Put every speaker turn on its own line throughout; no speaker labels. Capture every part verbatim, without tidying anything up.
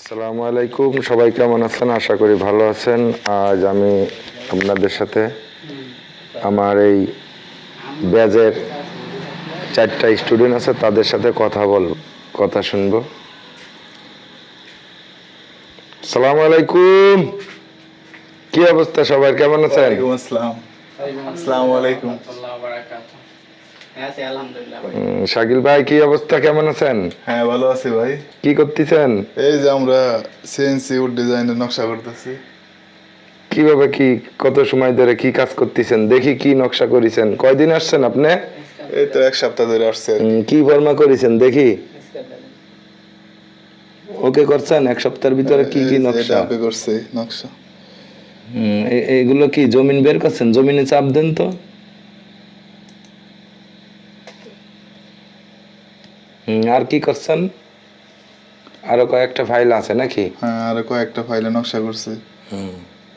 আসসালামু আলাইকুম, সবাই কেমন আছেন? আশা করি ভালো আছেন। আজ আমি আপনাদের সাথে আমার এই ব্যাচের চারটা স্টুডেন্ট আছে, তাদের সাথে কথা বল কথা শুনবো। আসসালামু আলাইকুম, কি অবস্থা সবার, কেমন আছেন?
ওয়ালাইকুম আসসালাম। আসসালামু আলাইকুম।
উম, শাকিল ভাই, কি অবস্থা, কেমন আছেন?
হ্যাঁ, ভালো আছি ভাই।
কি করতেছেন?
এই যে আমরা সিএনসি উড ডিজাইনের নকশা করতেছি।
কিভাবে, কি কত সময় ধরে কি কাজ করতেছেন? দেখি কি নকশা করেছেন। কয়দিন আসছেন আপনি?
এই তো এক সপ্তাহ ধরে আসছে আর কি।
উম, কি ফর্মা করেছেন দেখি। ওকে করছেন এক সপ্তাহের ভিতরে? কি কি
এই যে
নকশা?
এটা ওকে করছে নকশা।
হুম, এ- এগুলো কি জমিন বের করছেন? জমিনে চাপ দেন তো। হুম, আর কি করছেন? আরো কয়েকটা ফাইল আছে নাকি?
হ্যাঁ, আর কয়েকটা ফাইলে নকশা করছে।
হুম।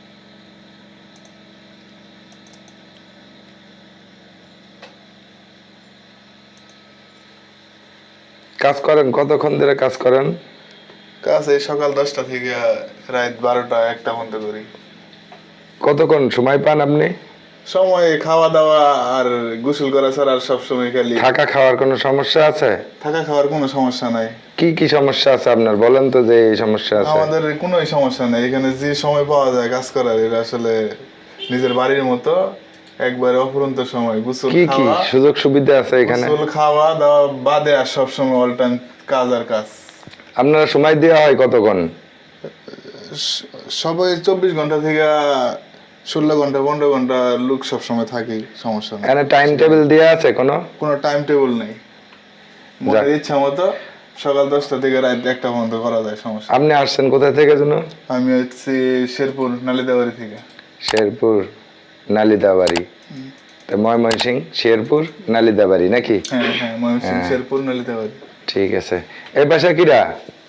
কাজ করেন কতক্ষণ ধরে কাজ করেন?
কাজ এই সকাল দশটা থেকে রাত বারোটা একটা পর্যন্ত করি।
কতক্ষণ সময় পান আপনি?
সময় খাওয়া দাওয়া আর গোসল করা ছাড়া আর সব সময় খালি
থাকা খাওয়ার কোনো সমস্যা আছে?
থাকা খাওয়ার কোনো সমস্যা নাই।
কি কি সমস্যা আছে আপনার, বলেন তো যে এই সমস্যা আছে।
আমাদের কোনো সমস্যা নেই, এখানে যে সময় পাওয়া যায় কাজ করার, এটা আসলে নিজের বাড়ির মতো একবারে অফুরন্ত সময়। গোসল
কি কি
খাওয়া
সুযোগ সুবিধা আছে এখানে?
গোসল খাওয়া দাওয়া বাদে আর সব সময় অল টাইম কাজ আর কাজ।
আপনারা সময় দেওয়া হয় কতক্ষণ?
স- সবাই চব্বিশ ঘন্টা থেকে ষোলো ঘন্টা পনেরো ঘন্টা লোক সব সময় থাকি, সমস্যা নেই।
এখানে টাইম টেবিল দেওয়া আছে কোনো?
কোনো টাইম টেবিল নেই, মনের
যাক।
ইচ্ছা মতো সকাল দশটা থেকে রাত একটা পর্যন্ত করা যায়, সমস্যা নেই।
আপনি আসছেন কোথা থেকে যেন?
আমি হচ্ছি শেরপুর নালিতাবাড়ি থেকে।
শেরপুর নালিতাবাড়ি। তো ময়মনসিং শেরপুর নালিতাবাড়ি নাকি?
হ্যাঁ হ্যাঁ, ময়মনসিংহ
হ্যাঁ।
শেরপুর নালিতাবাড়ি।
ঠিক আছে। এই বাসা কিরা?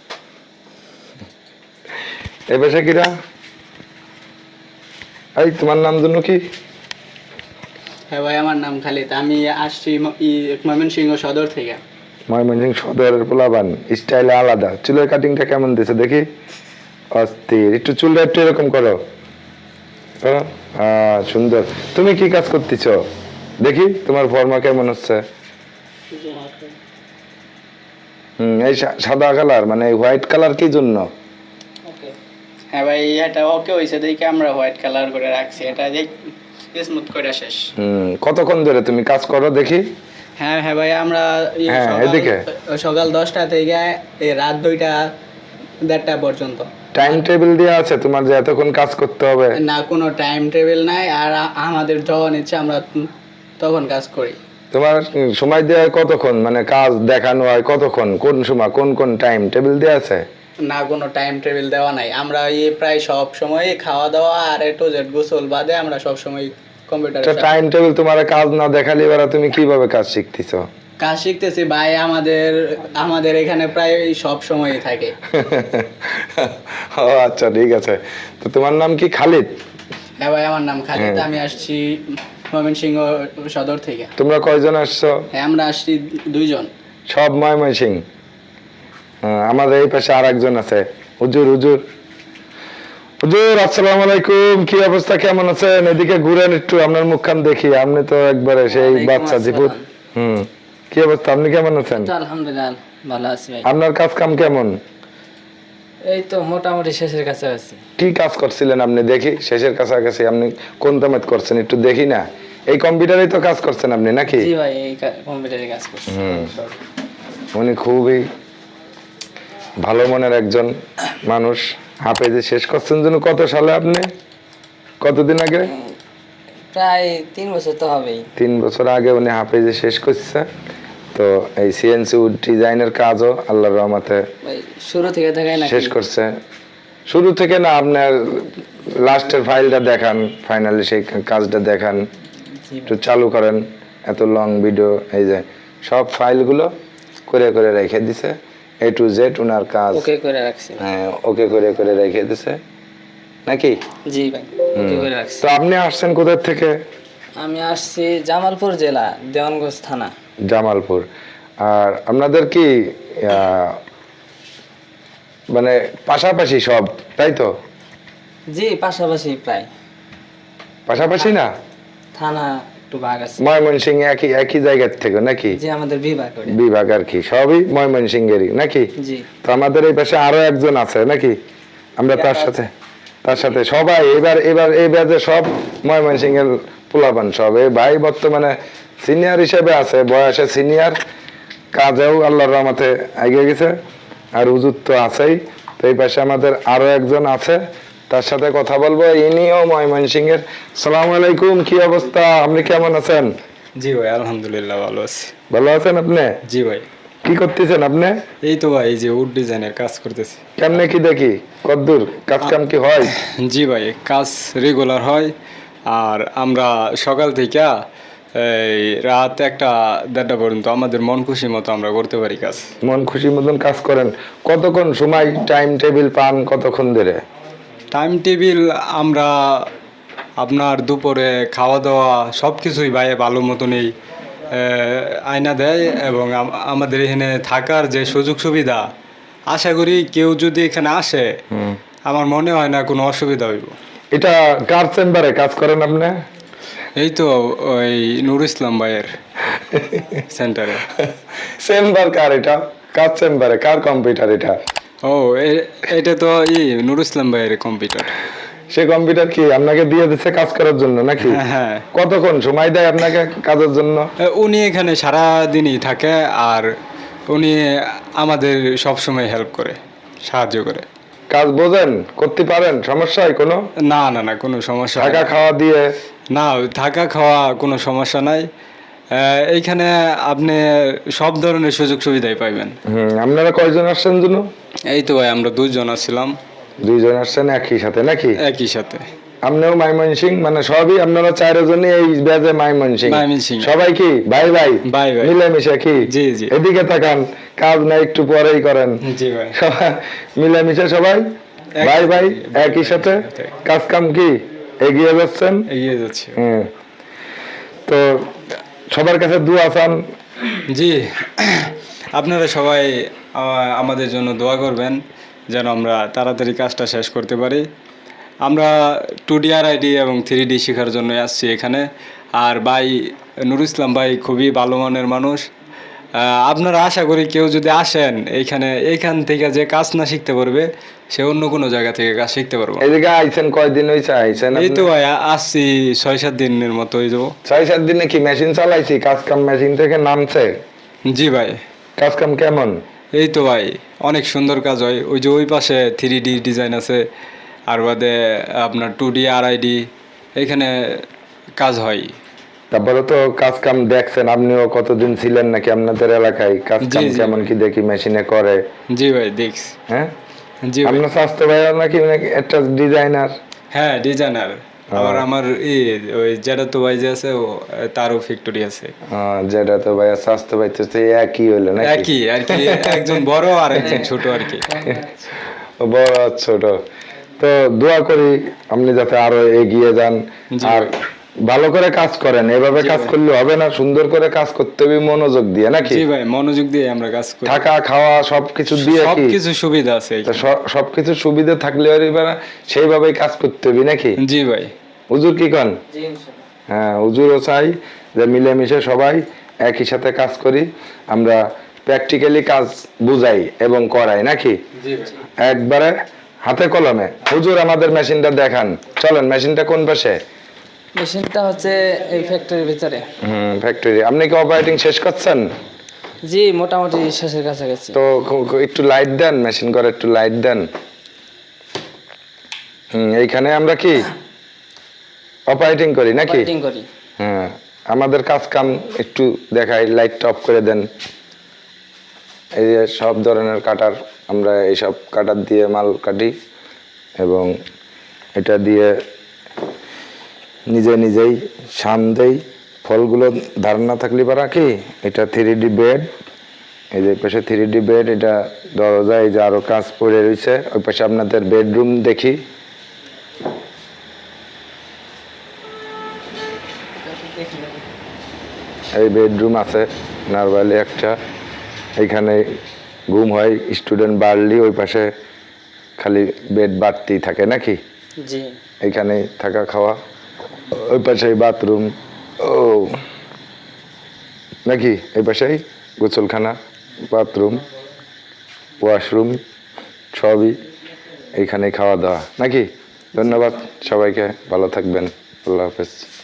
এই বাসা কিরা? এই তোমার নাম জন্য কি?
হ্যাঁ ভাই, আমার নাম খালিদ। আমি আসছি ম- ই- ময়মনসিংহ সদর থেকে।
ময়মনসিং সদরের পোলাবান, স্টাইলে আলাদা। চুলের কাটিংটা কেমন দিছে দেখি? অস্থির। একটু চুলটা একটু এরকম করো, করো। হ্যাঁ, সুন্দর। তুমি কি কাজ করতেছ দেখি? তোমার ফর্মা কেমন হচ্ছে? হুম, এই সা- সাদা কালার মানে হোয়াইট কালার কি জন্য?
হ্যাঁ ভাই, এটা ওকে হয়েছে দেখে আমরা হোয়াইট কালার করে রাখছি। এটা যে স্মুথ করে শেষ।
হুম, কতক্ষণ ধরে তুমি কাজ করো দেখি?
হ্যাঁ হ্যাঁ ভাই, আমরা এই
হ্যাঁ,
সকাল-
এদিকে।
সকাল দশটা থেকে এই রাত দুইটা দেড়টা পর্যন্ত।
টাইম টেবিল দেওয়া আছে তোমার যে এতক্ষণ কাজ করতে হবে?
না, কোনো টাইম টেবিল নাই। আর আ- আমাদের যখন ইচ্ছে আমরা তখন কাজ করি।
তোমার উম, সময় দেওয়া হয় কতক্ষণ, মানে কাজ দেখানো হয় কতক্ষণ, কোন সময়, কোন কোন টাইম টেবিল দেওয়া আছে?
না, কোনো টাইম টেবিল দেওয়া নাই। আমরা এই প্রায় সব সময় খাওয়া দাওয়া আর একটু জেড গোসল বাদে আমরা সব সময় কম্পিউটারে
টাইম টেবিল তোমার কাজ না দেখালে এবার তুমি কিভাবে কাজ শিখতেছ?
কাজ শিখতেছি ভাই। আমাদের আমাদের এখানে প্রায় সব সময়ই থাকে।
ও আচ্ছা, ঠিক আছে। তো তোমার নাম কি? খালিদ?
হ্যাঁ ভাই, আমার নাম খালিদ।
হ্যাঁ।
আমি আসছি ময়মনসিংহ সদর থেকে।
তোমরা কয়জন আসছো?
হ্যাঁ, আমরা আসছি দুইজন।
সব ময়মনসিং? হ্যাঁ, আমাদের এই পাশে আর একজন আছে, হুজুর। হুজুর হুজুর আসসালামু আলাইকুম, কি অবস্থা, কেমন আছেন? এদিকে ঘুরেন একটু, আপনার মুখখান দেখি। আপনি তো একবারে সেই
ওয়ালাইকুম
বাচ্চা জিপুত।
আসসালাম।
হুম, কি অবস্থা, আপনি কেমন আছেন?
তো আলহামদুলিল্লাহ ভালো আছি ভাই।
আপনার কাজ কাম কেমন?
এই তো মোটামুটি শেষের কাছে আছি।
কি কাজ করছিলেন আপনি দেখি? শেষের কাছাকাছি আপনি কোন তামাত করছেন একটু দেখি না। এই কম্পিউটারেই তো কাজ করছেন আপনি নাকি?
জি ভাই, এই কম্পিউটারে কাজ করছি।
হুম, উনি খুবই ভালো মনের একজন মানুষ। হাফেজে শেষ করছেন যেন কত সালে আপনি? কতদিন আগে?
প্রায় তিন বছর তো হবেই।
তিন বছর আগে উনি হাফেজে শেষ করছে। তো এই সিএনসি উড ডিজাইনের কাজও আল্লাহর রহমতে
ভাই শুরু থেকে দেখাই না
শেষ করছে। শুরু থেকে না, আপনার লাস্টের ফাইলটা দেখান, ফাইনালি সেই কাজটা দেখান, একটু চালু করেন। এত লং ভিডিও, এই যে সব ফাইলগুলো করে করে রেখে দিছে, এ টু জেড উনার কাজ।
ওকে করে রাখছি।
হ্যাঁ, ওকে করে করে রেখে দিছে নাকি?
জি ভাই, ওকে করে রাখছি।
তো আপনি আসছেন কোথা থেকে?
আমি আসছি জামালপুর জেলা, দেওয়ানগঞ্জ থানা।
জামালপুর। আর আপনাদের কি আহ, মানে পাশাপাশি সব তাই তো?
জি পাশাপাশি প্রায়
পাশাপাশি না,
থানা একটু ভাগ আছে।
ময়মনসিংহ একই একই জায়গার থেকে নাকি?
জি আমাদের বিভাগ ওটা।
বিভাগ আর কি, সবই ময়মনসিংহেরই নাকি?
জি
তো আমাদের এই পাশে আরো একজন আছে নাকি, আমরা তার সাথে তার সাথে সবাই এবার এবার এই ব্যাচে সব ময়মনসিংহের পোলাপান সব। এই ভাই বর্তমানে সিনিয়র হিসেবে আছে, বয়সে সিনিয়র, কাজেও আল্লাহর রহমতে এগিয়ে গেছে। আর হুজুর তো আছেই, তো এই পাশে আমাদের আরো একজন আছে, তার সাথে কথা বলবো। ইনিও ময়মনসিংহের। সালামু আলাইকুম, কি অবস্থা, আপনি কেমন আছেন?
জি ভাই আলহামদুলিল্লাহ ভালো আছি।
ভালো আছেন আপনি?
জি ভাই
কি করতেছেন আপনি?
এই তো ভাই এই যে উড ডিজাইনের কাজ করতেছি।
কেমনে কি দেখি, কদ্দূর কাজ কাম কি হয়?
জি ভাই কাজ রেগুলার হয়। আর আমরা সকাল থেকে এই রাত একটা দেড়টা পর্যন্ত আমাদের মন খুশি মতো আমরা করতে পারি কাজ।
মন খুশি মতন কাজ করেন? কতক্ষণ সময় টাইম টেবিল পান কতক্ষণ ধরে?
টাইম টেবিল আমরা আপনার দুপুরে খাওয়া দাওয়া সব কিছুই ভাই ভালো মতনই আয়না দেয়, এবং আম- আমাদের এখানে থাকার যে সুযোগ সুবিধা, আশা করি কেউ যদি এখানে আসে আমার মনে হয় না কোনো অসুবিধা হইব।
এটা কার চেম্বারে কাজ করেন আপনি?
এই তো ওই নুর ইসলাম ভাইয়ের সেন্টারে।
চেম্বার কার এটা? কার চেম্বারে, কার কম্পিউটার এটা?
ও এ- এটা তো ই নুর ইসলাম ভাইয়ের কম্পিউটার।
সে কম্পিউটার কি আপনাকে দিয়ে দিচ্ছে কাজ করার জন্য নাকি?
হ্যাঁ, হ্যাঁ।
কতক্ষণ সময় দেয় আপনাকে কাজের জন্য?
এ, উনি এখানে সারা দিনই থাকে, আর উনি আমাদের সব সময় হেল্প করে, সাহায্য করে।
কাজ বোঝেন, করতে পারেন, সমস্যা হয় কোনো?
না না না কোনো সমস্যা হয়
থাকা
না।
খাওয়া দিয়ে?
না থাকা খাওয়া কোনো সমস্যা নাই। আহ, এইখানে আপনি সব ধরনের সুযোগ সুবিধাই পাইবেন।
হুম, আপনারা কয়জন আসছেন জন্য?
এই তো ভাই আমরা দুইজন আসছিলাম
দুইজন আসছেন একই সাথে নাকি?
একই সাথে।
আপনিও মাইমনসিং, মানে সবই আপনারা চারজনই এই ব্যাজে মাইমনসিং?
ময়মনসিংহ।
সবাই কি ভাই ভাই
ভাই ভাই।
মিলেমিশে কি?
জি, জি।
এদিকে তাকান, কাজ না একটু পরেই করেন।
জি ভাই।
সবাই মিলেমিশে সবাই
এক-
ভাই ভাই একই সাথে কাজ কাম কি এগিয়ে যাচ্ছেন।
এগিয়ে যাচ্ছে।
হুম, তো সবার কাছে দোয়া চান।
জি আপনারা সবাই আহ, আমাদের জন্য দোয়া করবেন যেন আমরা তাড়াতাড়ি কাজটা শেষ করতে পারি। আমরা টু ডি আর আইডি এবং থ্রি ডি শেখার জন্য আসছি এখানে। আর ভাই নুর ইসলাম ভাই খুবই ভালো মানের মানুষ। আহ, আপনারা আশা করি কেউ যদি আসেন এইখানে, এইখান থেকে যে কাজ না শিখতে পারবে সে অন্য কোনো জায়গা থেকে কাজ শিখতে পারবে।
এদিকে আইছেন কয়দিন হয়েছে আইছেন?
এই তো
আপনি?
ভাই আ- আসছি ছয় সাত দিনের মতো হয়ে যাবো।
ছয় সাত দিনে কি মেশিন চালাইছি, কাজ কাম মেশিন থেকে নামছে?
জি ভাই।
কাজ কাম কেমন?
এই তো ভাই অনেক সুন্দর কাজ হয়। ওই যে ওই পাশে থ্রি ডি ডিজাইন আছে, আর বাদে আপনার টু ডি আর আইডি এখানে কাজ হয়।
তারপরে তো কাজ কাম দেখছেন, আপনিও কতদিন ছিলেন নাকি আপনাদের এলাকায়? কাজ
জি,
কাম
জি।
কেমন কি দেখি মেশিনে করে?
জি ভাই দেখছি।
হ্যাঁ,
জি ভাই।
আপনার স্বাস্থ্য ভাই নাকি নাকি একটা ডিজাইনার?
হ্যাঁ ডিজাইনার। আবার আমার এই ওই যেটা তো ভাই যে আছে ও তারও ফ্যাক্টরি আছে।
যেটা তো ভাই স্বাস্থ্য ভাই তো সেই একই হইলো নাকি?
একই আর কি, একজন বড় আর একজন ছোট আর কি।
ও বড় আর ছোট। তো দোয়া করি আপনি যাতে আরো এগিয়ে যান,
জি
আর
ভাই।
ভালো করে কাজ করেন। এভাবে
জি
কাজ
ভাই।
করলে হবে না, সুন্দর করে কাজ করতে হবে মনোযোগ দিয়ে নাকি?
জি ভাই মনোযোগ দিয়ে আমরা কাজ করি।
থাকা খাওয়া সবকিছু দিয়ে কি?
সবকিছু সুবিধা আছে
তা
এখানে।
স- সবকিছু সুবিধা থাকলে আর এবার সেইভাবেই কাজ করতে হবে নাকি?
জি ভাই।
হুজুর কি কন?
জি ইনশাআল্লাহ।
হ্যাঁ, হুজুরও চাই যে মিলেমিশে সবাই একই সাথে কাজ করি, আমরা প্র্যাকটিক্যালি কাজ বুঝাই এবং করাই নাকি?
জি ভাই।
একবারে হাতে কলমে। হুজুর আমাদের মেশিনটা দেখান, চলেন। মেশিনটা কোন পাশে?
মেশিনটা হচ্ছে এই ফ্যাক্টরির ভিতরে।
হুম, ফ্যাক্টরি। আপনি কি অপারেটিং শেষ করছেন?
জি মোটামুটি শেষের কাছাকাছি।
তো ক- ক- একটু লাইট দেন, মেশিন করে একটু লাইট দেন। হুম, এইখানে আমরা কি অপারেটিং করি নাকি?
অপারেটিং করি।
হ্যাঁ, আমাদের কাজ কাম একটু দেখাই, লাইটটা অফ করে দেন। এই যে সব ধরনের কাটার, আমরা এইসব কাটার দিয়ে মাল কাটি, এবং এটা দিয়ে নিজে নিজেই শান দেই। ফলগুলো ধারণা থাকলে পারা কি, এটা থ্রি ডি বেড, এই যে পাশে থ্রি ডি বেড, এটা দরজা, এই যে আরো কাজ পড়ে রয়েছে। ওই পাশে আপনাদের বেডরুম দেখি। এই বেডরুম আছে নরমালি একটা, এইখানে ঘুম হয় স্টুডেন্ট বাড়লি। ওই পাশে খালি বেড বাড়তেই থাকে নাকি?
জি
এখানে থাকা খাওয়া, ওই পাশে বাথরুম, ও নাকি এই পাশেই গোসলখানা, বাথরুম, ওয়াশরুম সবই এইখানে খাওয়া দাওয়া নাকি? ধন্যবাদ সবাইকে, ভালো থাকবেন, আল্লাহ হাফেজ।